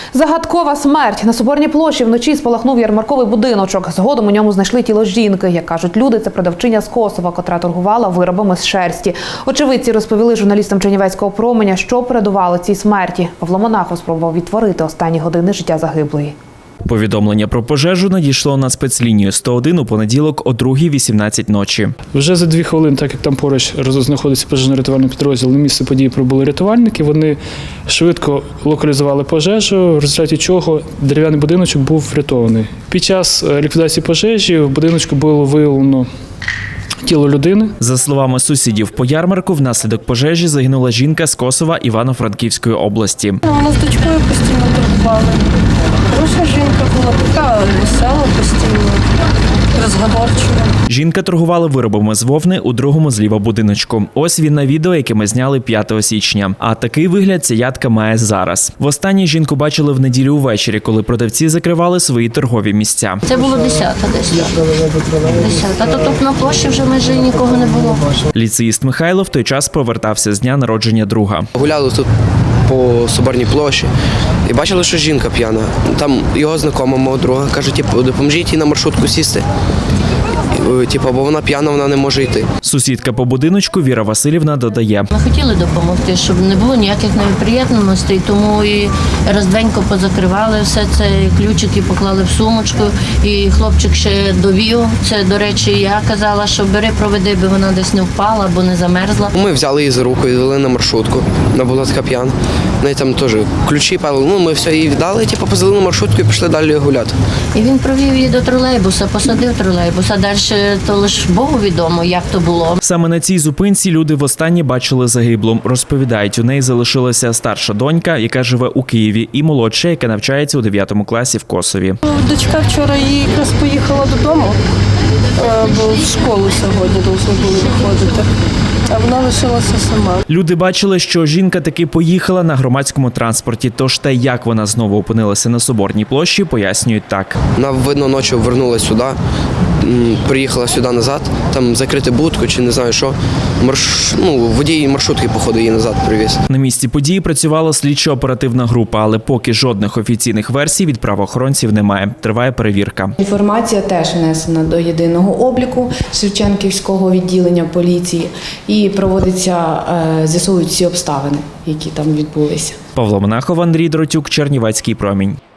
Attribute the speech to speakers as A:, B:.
A: Загадкова смерть. На Соборній площі вночі спалахнув ярмарковий будиночок. Згодом у ньому знайшли тіло жінки. Як кажуть люди, це продавчиня з Косова, котра торгувала виробами з шерсті. Очевидці розповіли журналістам Чернівецького променя, що передувало цій смерті. Павло Монахов спробував відтворити останні години життя загиблої.
B: Повідомлення про пожежу надійшло на спецлінію 101 у понеділок о 2:18 ночі.
C: Вже за 2 хвилини, так як там поруч знаходиться пожежно-рятувальний підрозділ, на місце події прибули рятувальники. Вони швидко локалізували пожежу, в результаті чого дерев'яний будиночок був врятований. Під час ліквідації пожежі в будиночку було виявлено тіло людини.
B: За словами сусідів по ярмарку, внаслідок пожежі загинула жінка з Косова Івано-Франківської області.
D: Вона з дочкою постійно торгувала. Хороша жінка була, така весела постійно, розговорчива.
B: Жінка торгувала виробами з вовни у другому зліва будиночку. Ось він на відео, яке ми зняли 5 січня. А такий вигляд ця ядка має зараз. Востаннє жінку бачили в неділю увечері, коли продавці закривали свої торгові місця.
E: Це було 10-та десь. 10-та. То тут на площі вже майже нікого не було.
B: Ліцеїст Михайло в той час повертався з дня народження друга.
F: Гуляли тут по Соборній площі і бачили, що жінка п'яна. Там його знайома, мого друга, каже, допоможіть їй на маршрутку сісти. Бо вона п'яна, вона не може йти.
B: Сусідка по будиночку Віра Василівна додає.
E: Ми хотіли допомогти, щоб не було ніяких неприємностей, тому і роздвенько позакривали все це, ключики поклали в сумочку, і хлопчик ще довів. Це, до речі, я казала, що бери, проведи, бо вона десь не впала або не замерзла.
F: Ми взяли її за руку і відвели на маршрутку. Вона була така п'яна. В неї там теж ключі пали. Ми все їй віддали, позали на маршрутку і пішли далі гуляти.
E: І він провів її до тролейбуса, посадив тролейбус, а далі то лише Богу відомо, як то було.
B: Саме на цій зупинці люди востаннє бачили загиблу. Розповідають, у неї залишилася старша донька, яка живе у Києві, і молодша, яка навчається у 9 класі в Косові.
D: Дочка вчора якраз поїхала додому, бо в школу сьогодні повинні були виходити, а вона лишилася сама.
B: Люди бачили, що жінка таки поїхала на громадському транспорті, тож те, як вона знову опинилася на Соборній площі, пояснюють так.
F: Вона, видно, ночі вернулася сюди, приїхала сюди назад, там закрити будку чи не знаю що. Водій маршрутки, походу, її назад привіз.
B: На місці події працювала слідчо-оперативна група, але поки жодних офіційних версій від правоохоронців немає. Триває перевірка.
G: Інформація теж внесена до єдиного обліку Шевченківського відділення поліції і проводиться, з'ясовують всі обставини, які там відбулися.
B: Павло Монахов, Андрій Дротюк, Чернівецький промінь.